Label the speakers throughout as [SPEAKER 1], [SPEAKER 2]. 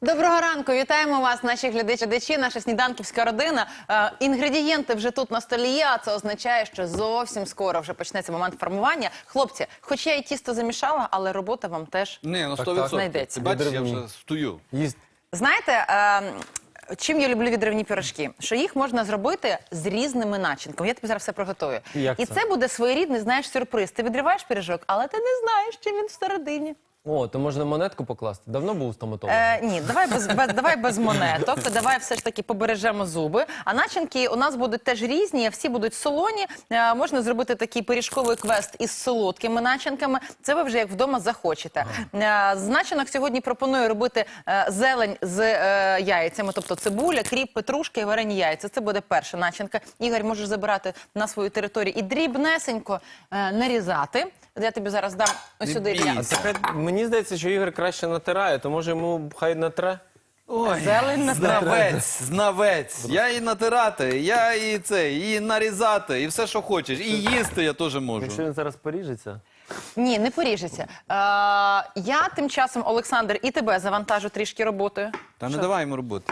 [SPEAKER 1] Доброго ранку, вітаємо вас, наші глядачі, наша сніданківська родина. Інгредієнти вже тут на столі є, а це означає, що зовсім скоро вже почнеться момент формування. Хлопці, хоч я і тісто замішала, але робота вам теж знайдеться.
[SPEAKER 2] Ти бачиш, я вже стою.
[SPEAKER 1] Знаєте, чим я люблю відривні пирожки? Що їх можна зробити з різними начинками. Я тобі зараз все приготую. І це буде своєрідний, знаєш, сюрприз. Ти відриваєш пиріжок, але ти не знаєш, чим він всередині.
[SPEAKER 3] О, то можна монетку покласти? Давно був стоматологом?
[SPEAKER 1] Ні, давай без монеток, давай все ж таки побережемо зуби. А начинки у нас будуть теж різні, всі будуть солоні. Можна зробити такий пиріжковий квест із солодкими начинками. Це ви вже як вдома захочете. З начинок сьогодні пропоную робити зелень з яйцями, тобто цибуля, кріп, петрушка і варені яйця. Це буде перша начинка. Ігор, можеш забирати на свою територію і дрібнесенько нарізати. Я тобі зараз дам ось сюди м'ясо.
[SPEAKER 3] Мені здається, що Ігор краще натирає, то може йому хай натре?
[SPEAKER 2] Ой,
[SPEAKER 1] Зелень натирати.
[SPEAKER 2] знавець. Я і натирати, я і нарізати, і все, що хочеш. І їсти я теж можу.
[SPEAKER 3] Якщо він зараз поріжеться?
[SPEAKER 1] Ні, не поріжеться. Я тим часом, Олександр, і тебе завантажу трішки роботою.
[SPEAKER 2] Та не давай йому роботи.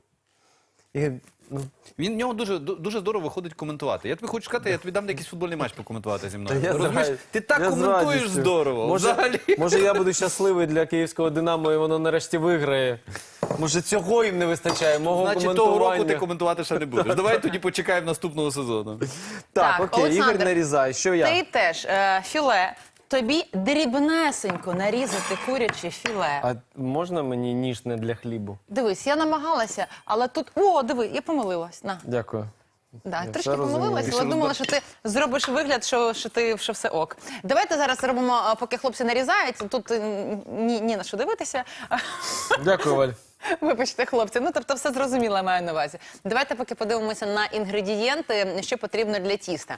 [SPEAKER 3] Ігор, ну...
[SPEAKER 2] В нього дуже здорово виходить коментувати. Я тобі хочу сказати, я тобі дам якийсь футбольний матч покоментувати зі мною.
[SPEAKER 3] я
[SPEAKER 2] Розумієш?
[SPEAKER 3] знаю.
[SPEAKER 2] Ти так
[SPEAKER 3] Я з
[SPEAKER 2] коментуєш
[SPEAKER 3] радістю.
[SPEAKER 2] здорово. Взагалі.
[SPEAKER 3] Може я буду щасливий для київського «Динамо» і воно нарешті виграє. Може цього їм не вистачає, мого
[SPEAKER 2] Значить,
[SPEAKER 3] коментування.
[SPEAKER 2] того року ти коментувати ще не будеш. Давай тоді почекаємо наступного сезону.
[SPEAKER 3] Так, окей,
[SPEAKER 1] Олександр,
[SPEAKER 3] Ігор нарізає. Що я?
[SPEAKER 1] Ти теж філе. Тобі дрібнесенько нарізати куряче філе.
[SPEAKER 3] А можна мені ніж не для хлібу?
[SPEAKER 1] Дивись, я намагалася, але тут... О, диви, я помилилась. На.
[SPEAKER 3] Дякую.
[SPEAKER 1] Да,
[SPEAKER 3] Я
[SPEAKER 1] трішки
[SPEAKER 3] все розумію.
[SPEAKER 1] помилилась, але думала, що ти зробиш вигляд, що все ок. Давайте зараз робимо, поки хлопці нарізають. Тут ні на що дивитися.
[SPEAKER 3] Дякую, Валь.
[SPEAKER 1] Вибачте, хлопці, ну тобто все зрозуміло, я маю на увазі. Давайте поки подивимося на інгредієнти, що потрібно для тіста.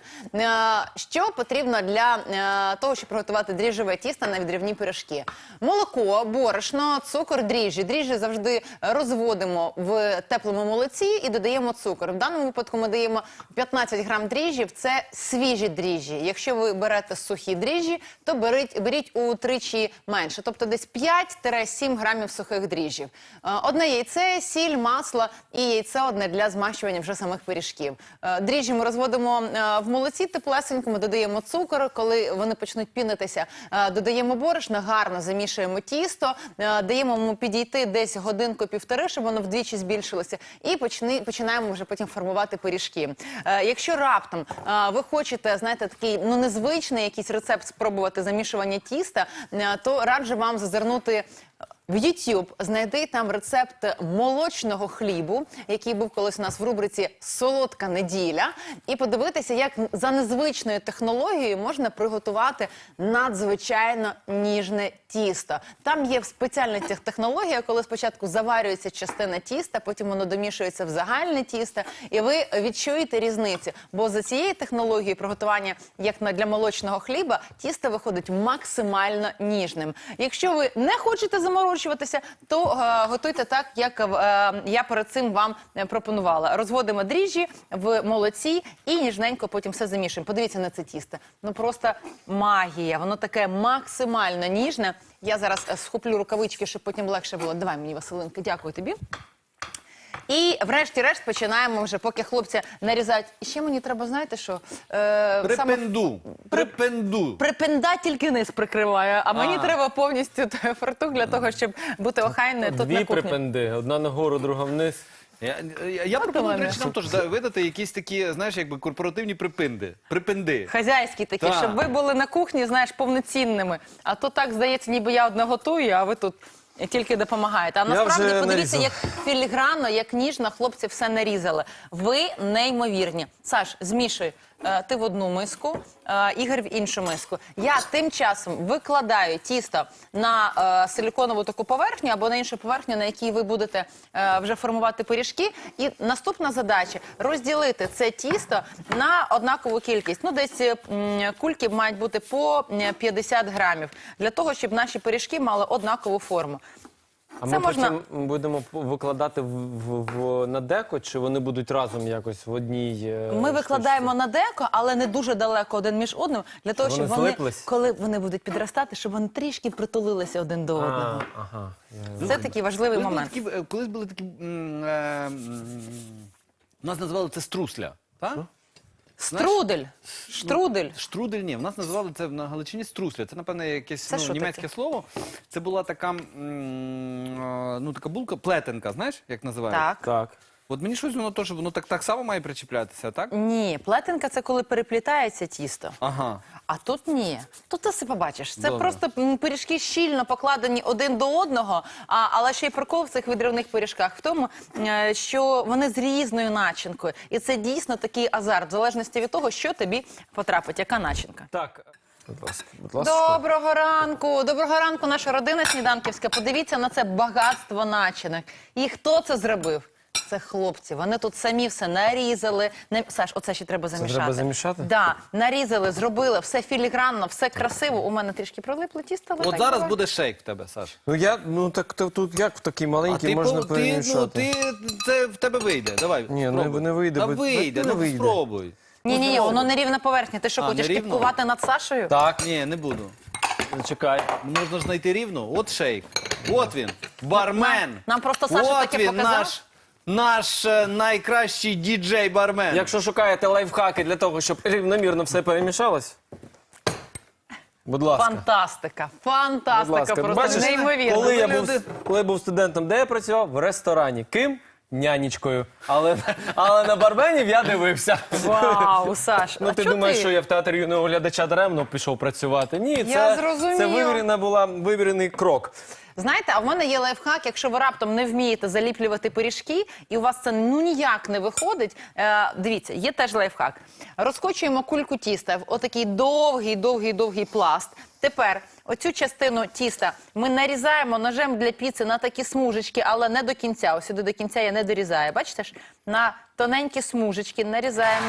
[SPEAKER 1] Що потрібно для того, щоб приготувати дріжджеве тісто на відривні пиріжки? Молоко, борошно, цукор, дріжджі. Дріжджі завжди розводимо в теплому молоці і додаємо цукор. В даному випадку ми даємо 15 грам дріжджів, це свіжі дріжджі. Якщо ви берете сухі дріжджі, то беріть утричі менше, тобто десь 5-7 грамів сухих дріжджів. Одне яйце, сіль, масло і яйце одне для змащування вже самих пиріжків. Дріжджі ми розводимо в молоці теплесенькому, додаємо цукор, коли вони почнуть пінитися, додаємо борошно, гарно замішуємо тісто, даємо йому підійти десь годинку-півтори, щоб воно вдвічі збільшилося, і починаємо вже потім формувати пиріжки. Якщо раптом ви хочете, знаєте, такий незвичний якийсь рецепт спробувати замішування тіста, то раджу вам зазирнути в YouTube, знайди там рецепт молочного хлібу, який був колись у нас в рубриці «Солодка неділя», і подивитися, як за незвичною технологією можна приготувати надзвичайно ніжне тісто. Там є спеціальна технологія, коли спочатку заварюється частина тіста, потім воно домішується в загальне тісто, і ви відчуєте різницю. Бо за цією технологією приготування, як для молочного хліба, тісто виходить максимально ніжним. Якщо ви не хочете заморочуватися, то готуйте так, як я перед цим вам пропонувала. Розводимо дріжджі в молоці і ніжненько потім все замішуємо. Подивіться на це тісто. Ну просто магія. Воно таке максимально ніжне. Я зараз схоплю рукавички, щоб потім легше було. Давай мені, Василинка, дякую тобі. І врешті-решт починаємо вже, поки хлопці нарізають. І ще мені треба, знаєте що?
[SPEAKER 2] Припенду.
[SPEAKER 1] Припенда тільки низ прикриває, а мені треба повністю фартух для того, щоб бути охайною тут на
[SPEAKER 3] Дві
[SPEAKER 1] кухні.
[SPEAKER 3] припенди. Одна нагору, друга вниз.
[SPEAKER 2] Я пропоную, до речі, нам теж видати якісь такі, знаєш, якби корпоративні припенди.
[SPEAKER 1] Хазяйські такі, щоб ви були на кухні, знаєш, повноцінними. А то так, здається, ніби я одна готую, а ви тут тільки допомагаєте. А насправді, подивіться, як філігранно, як ніжно хлопці все нарізали. Ви неймовірні. Саш, змішуй. Ти в одну миску, Ігор в іншу миску. Я тим часом викладаю тісто на силіконову таку поверхню або на іншу поверхню, на якій ви будете вже формувати пиріжки. І наступна задача – розділити це тісто на однакову кількість. Ну, десь кульки мають бути по 50 грамів, для того, щоб наші пиріжки мали однакову форму.
[SPEAKER 3] А
[SPEAKER 1] Це
[SPEAKER 3] ми
[SPEAKER 1] можна.
[SPEAKER 3] потім будемо викладати на деко, чи вони будуть разом якось в одній
[SPEAKER 1] Ми викладаємо на деко, але не дуже далеко один між одним, для того,
[SPEAKER 3] Вони
[SPEAKER 1] щоб вони,
[SPEAKER 3] злиплись?
[SPEAKER 1] коли вони будуть підростати, щоб вони трішки притулилися один до одного.
[SPEAKER 3] Ага.
[SPEAKER 1] Це такий важливий момент.
[SPEAKER 2] Колись були такі... нас називали це струсля, так?
[SPEAKER 1] Струдель. Штрудель.
[SPEAKER 2] Штрудель, ні, в нас називали це на Галичині струсля. Це, напевне, якесь
[SPEAKER 1] Це що
[SPEAKER 2] німецьке
[SPEAKER 1] таке?
[SPEAKER 2] слово. Це була така, така булка, плетенка, знаєш, як називають?
[SPEAKER 1] Так.
[SPEAKER 3] Так.
[SPEAKER 2] От мені щось воно теж, воно так само має причіплятися, так?
[SPEAKER 1] Ні, плетенка – це коли переплітається тісто.
[SPEAKER 2] Ага.
[SPEAKER 1] А тут ні. Тут ти все побачиш. Це
[SPEAKER 2] Добре.
[SPEAKER 1] просто пиріжки щільно покладені один до одного, але ще й прикол в цих відривних пиріжках в тому, що вони з різною начинкою. І це дійсно такий азарт, в залежності від того, що тобі потрапить, яка начинка.
[SPEAKER 3] Так. Будь ласка.
[SPEAKER 1] Доброго ранку, наша родина сніданківська. Подивіться на це багатство начинок. І хто це зробив? Це хлопці. Вони тут самі все нарізали. Саш, оце ще треба замішати.
[SPEAKER 3] треба замішати?
[SPEAKER 1] Да, нарізали, зробили, все філігранно, все красиво. У мене трішки прилипло тісто. але
[SPEAKER 2] От
[SPEAKER 1] так
[SPEAKER 2] зараз
[SPEAKER 1] буває.
[SPEAKER 2] буде шейк в тебе, Саш.
[SPEAKER 3] Так тут як в такий
[SPEAKER 2] А
[SPEAKER 3] маленький
[SPEAKER 2] ти,
[SPEAKER 3] можна перемішати?
[SPEAKER 2] це в тебе вийде. Давай,
[SPEAKER 3] Ні,
[SPEAKER 2] спробуй.
[SPEAKER 3] не вийде,
[SPEAKER 2] Та
[SPEAKER 3] бо-
[SPEAKER 2] вийде,
[SPEAKER 3] не
[SPEAKER 2] ну
[SPEAKER 3] вийде.
[SPEAKER 2] спробуй.
[SPEAKER 1] Ні, воно не рівна поверхня. Ти що,
[SPEAKER 2] А,
[SPEAKER 1] хочеш
[SPEAKER 2] не рівно?
[SPEAKER 1] кіпкувати над Сашою?
[SPEAKER 3] Так,
[SPEAKER 2] Ні, не буду.
[SPEAKER 3] чекай.
[SPEAKER 2] Можна ж знайти рівно. От шейк. От він. Бармен.
[SPEAKER 1] Нам просто Саша
[SPEAKER 2] От
[SPEAKER 1] таке
[SPEAKER 2] він,
[SPEAKER 1] показав.
[SPEAKER 2] наш найкращий діджей-бармен.
[SPEAKER 3] Якщо шукаєте лайфхаки для того, щоб рівномірно все перемішалось, будь ласка.
[SPEAKER 1] Фантастика.
[SPEAKER 3] Будь
[SPEAKER 1] Фантастика,
[SPEAKER 3] ласка.
[SPEAKER 1] просто
[SPEAKER 3] Бачиш,
[SPEAKER 1] неймовірно.
[SPEAKER 3] коли я був студентом, де я працював? В ресторані. Ким? Нянечкою. Але на барменів я дивився.
[SPEAKER 1] Вау, Саш,
[SPEAKER 3] Ну
[SPEAKER 1] а
[SPEAKER 3] ти
[SPEAKER 1] чого
[SPEAKER 3] думаєш, що я в театрі юного глядача даремно пішов працювати? Ні,
[SPEAKER 1] Я зрозуміла.
[SPEAKER 3] це вивірений крок.
[SPEAKER 1] Знаєте, а в мене є лайфхак, якщо ви раптом не вмієте заліплювати пиріжки, і у вас це ніяк не виходить, дивіться, є теж лайфхак. Розкочуємо кульку тіста в отакий довгий пласт. Тепер оцю частину тіста ми нарізаємо ножем для піци на такі смужечки, але не до кінця. Ось сюди до кінця я не дорізаю. Бачите ж? На тоненькі смужечки нарізаємо.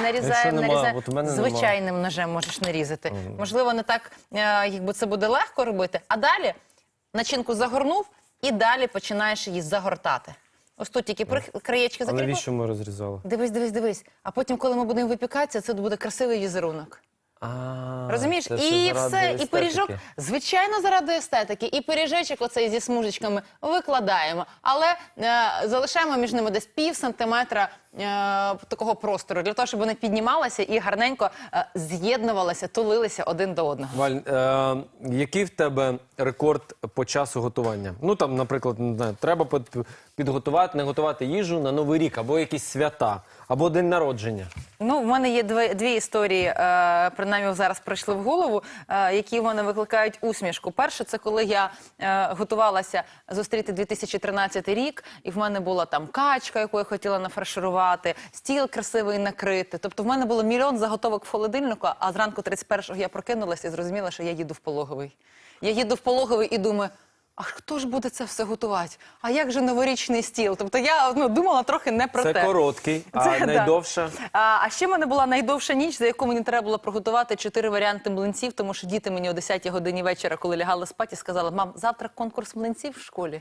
[SPEAKER 3] от у мене нема.
[SPEAKER 1] Звичайним ножем можеш нарізати. Можливо, не так, якби це буде легко робити. А далі начинку загорнув і далі починаєш її загортати. Ось тут тільки краєчки
[SPEAKER 3] А
[SPEAKER 1] закріпив.
[SPEAKER 3] навіщо ми розрізали?
[SPEAKER 1] Дивись. А потім, коли ми будемо випікатися, це буде красивий візерунок. Розумієш?
[SPEAKER 3] це все
[SPEAKER 1] І
[SPEAKER 3] заради
[SPEAKER 1] все, і пиріжок,
[SPEAKER 3] естетики.
[SPEAKER 1] звичайно, заради естетики. І пиріжечок оцей зі смужечками викладаємо. Але залишаємо між ними десь пів сантиметра такого простору, для того, щоб вони піднімалися і гарненько з'єднувалися, тулилися один до одного.
[SPEAKER 3] Валь, який в тебе рекорд по часу готування? Ну там, наприклад, не знаю, треба підготувати, не готувати їжу на Новий рік, або якісь свята, або день народження.
[SPEAKER 1] Ну, в мене є дві історії, принаймні зараз прийшли в голову, які в мене викликають усмішку. Перше, це коли я готувалася зустріти 2013 рік, і в мене була там качка, яку я хотіла нафарширувати, стіл красивий накрити. Тобто в мене було мільйон заготовок в холодильнику, а зранку 31-го я прокинулася і зрозуміла, що я їду в пологовий. Я їду в пологовий і думаю, а хто ж буде це все готувати? А як же новорічний стіл? Тобто я думала трохи не про те.
[SPEAKER 3] Це короткий, а
[SPEAKER 1] Це, да.
[SPEAKER 3] найдовше?
[SPEAKER 1] А ще в мене була найдовша ніч, за яку мені треба було приготувати 4 варіанти млинців, тому що діти мені о 10-й годині вечора, коли лягали спати, сказали: мам, завтра конкурс млинців в школі.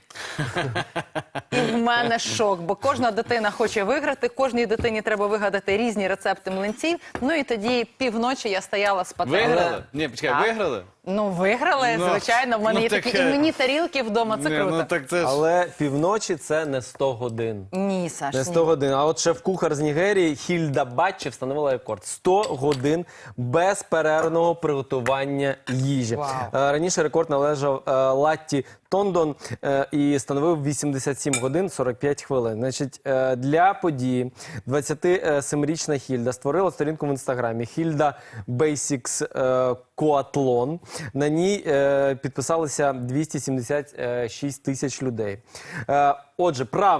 [SPEAKER 1] І в мене шок, бо кожна дитина хоче виграти, кожній дитині треба вигадати різні рецепти млинців. Ну і тоді півночі я стояла з пательнею.
[SPEAKER 2] Виграли? Ні, почекай,
[SPEAKER 1] Так.
[SPEAKER 2] виграли?
[SPEAKER 1] Ну, виграли,
[SPEAKER 2] Ну,
[SPEAKER 1] звичайно. В мене
[SPEAKER 2] ну,
[SPEAKER 1] є такі
[SPEAKER 2] таке.
[SPEAKER 1] іменні тарілки вдома, це
[SPEAKER 2] Ні,
[SPEAKER 1] круто.
[SPEAKER 2] ну так це ж...
[SPEAKER 3] Але півночі це не 100 годин.
[SPEAKER 1] Ні, Саш,
[SPEAKER 3] Не 100
[SPEAKER 1] ні.
[SPEAKER 3] годин. А от шеф-кухар з Нігерії Хільда Батчі встановила рекорд. 100 годин безперервного приготування їжі.
[SPEAKER 1] Вау.
[SPEAKER 3] Раніше рекорд належав Латті Тондон і становив 87 годин 45 хвилин. Значить, для події 27-річна Хільда створила сторінку в інстаграмі Хільда Basics Коатлон. На ній підписалися 276 тисяч людей. Отже, правила.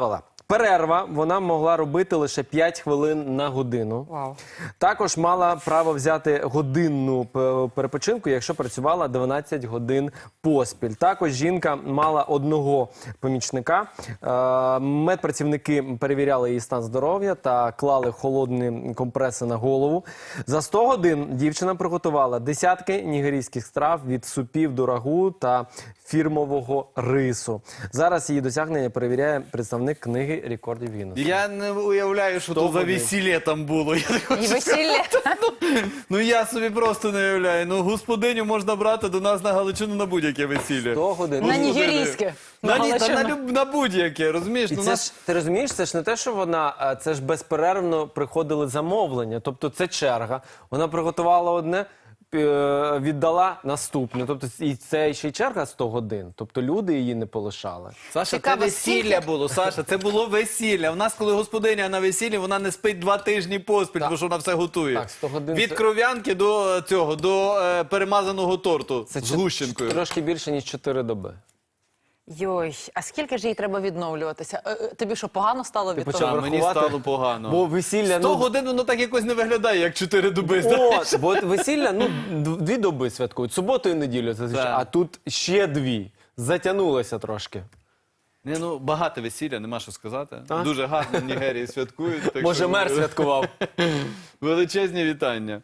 [SPEAKER 3] Перерва вона могла робити лише 5 хвилин на годину.
[SPEAKER 1] Вау.
[SPEAKER 3] Також мала право взяти годинну перепочинку, якщо працювала 12 годин поспіль. Також жінка мала одного помічника. Медпрацівники перевіряли її стан здоров'я та клали холодні компреси на голову. За 100 годин дівчина приготувала десятки нігерійських страв від супів до рагу та фірмового рису. Зараз її досягнення перевіряє представник книги рекордів Гіннеса.
[SPEAKER 2] Я не уявляю, що то за
[SPEAKER 3] годин?
[SPEAKER 2] весілля там було. Я так
[SPEAKER 1] І
[SPEAKER 2] хочу
[SPEAKER 1] весілля.
[SPEAKER 2] Ну я собі просто не уявляю. Ну господиню можна брати до нас на Галичину на будь-яке весілля.
[SPEAKER 3] 100 годин.
[SPEAKER 1] На нігерійське.
[SPEAKER 2] На будь-яке, розумієш?
[SPEAKER 3] І
[SPEAKER 2] Ну,
[SPEAKER 3] це
[SPEAKER 2] нас...
[SPEAKER 3] ж, ти розумієш, це ж не те, що вона, це ж безперервно приходили замовлення. Тобто це черга. Вона приготувала одне, віддала наступне. Тобто і це ще й черга 100 годин. Тобто люди її не полишали.
[SPEAKER 2] Саша,
[SPEAKER 1] Цікаво,
[SPEAKER 2] це весілля
[SPEAKER 1] скільки?
[SPEAKER 2] було, Саша, це було весілля. У нас, коли господиня на весіллі, вона не спить 2 тижні поспіль,
[SPEAKER 3] Так.
[SPEAKER 2] тому що вона все готує.
[SPEAKER 3] Так, 100 годин
[SPEAKER 2] Від
[SPEAKER 3] це-
[SPEAKER 2] кров'янки до цього, до перемазаного торту з гущенкою.
[SPEAKER 3] Трошки більше, ніж 4 доби.
[SPEAKER 1] Йой, а скільки ж їй треба відновлюватися? Тобі що, погано стало від
[SPEAKER 3] почав
[SPEAKER 1] того?
[SPEAKER 2] А, мені
[SPEAKER 3] рахувати?
[SPEAKER 2] стало погано.
[SPEAKER 3] Бо весілля...
[SPEAKER 2] 100 годин воно так якось не виглядає, як 4 доби.
[SPEAKER 3] От, бо весілля, 2 доби святкують, суботу і неділю зазвичай,
[SPEAKER 2] Так.
[SPEAKER 3] а тут ще 2. Затягнулося трошки.
[SPEAKER 2] Ні, ну, багато весілля, нема що сказати.
[SPEAKER 3] Так?
[SPEAKER 2] Дуже гарно в Нігерії святкують. Так
[SPEAKER 3] Може,
[SPEAKER 2] що
[SPEAKER 3] мер святкував.
[SPEAKER 2] величезні вітання.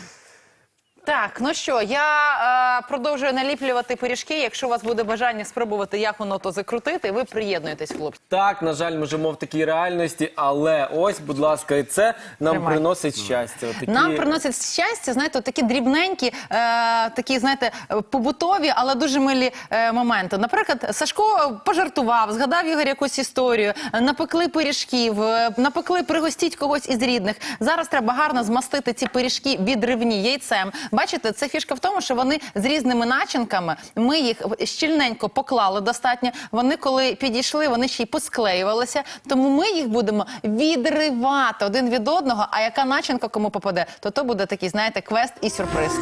[SPEAKER 1] Так, ну що, я продовжую наліплювати пиріжки. Якщо у вас буде бажання спробувати, як воно то закрутити, ви приєднуєтесь, хлопці.
[SPEAKER 3] Так, на жаль, ми живемо в такій реальності, але ось, будь ласка, і це нам
[SPEAKER 1] Тримай.
[SPEAKER 3] приносить щастя. Отакі...
[SPEAKER 1] Нам приносять щастя, знаєте, от такі дрібненькі, такі, знаєте, побутові, але дуже милі моменти. Наприклад, Сашко пожартував, згадав Ігор якусь історію, напекли пиріжків, напекли, пригостіть когось із рідних. Зараз треба гарно змастити ці пиріжки відривні яйцем. Бачите, це фішка в тому, що вони з різними начинками, ми їх щільненько поклали достатньо, вони коли підійшли, вони ще й посклеювалися, тому ми їх будемо відривати один від одного, а яка начинка кому попаде, то буде такий, знаєте, квест і сюрприз.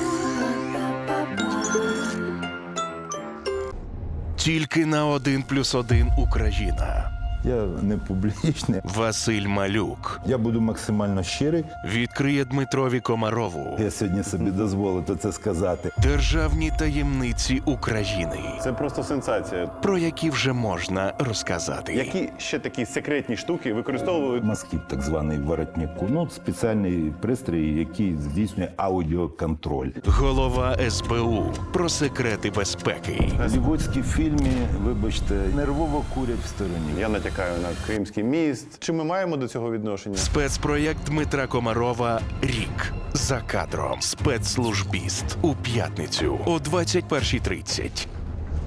[SPEAKER 4] Тільки на 1+1 Україна.
[SPEAKER 5] Я не публічний.
[SPEAKER 4] Василь Малюк
[SPEAKER 5] Я буду максимально щирий.
[SPEAKER 4] відкриє Дмитрові Комарову
[SPEAKER 5] Я сьогодні собі дозволив це сказати.
[SPEAKER 4] державні таємниці України,
[SPEAKER 6] Це просто сенсація.
[SPEAKER 4] про які вже можна розказати.
[SPEAKER 6] Які ще такі секретні штуки використовували?
[SPEAKER 5] Масків, так званий воротнику. Ну, спеціальний пристрій, який здійснює аудіоконтроль.
[SPEAKER 4] Голова СБУ про секрети безпеки.
[SPEAKER 5] В голлівудській фільмі, вибачте, нервово курять в стороні.
[SPEAKER 6] Я натякаю на Кримський міст. Чи ми маємо до цього відношення?
[SPEAKER 4] Спецпроєкт Дмитра Комарова «Рік. За кадром». Спецслужбіст у п'ятницю о 21:30.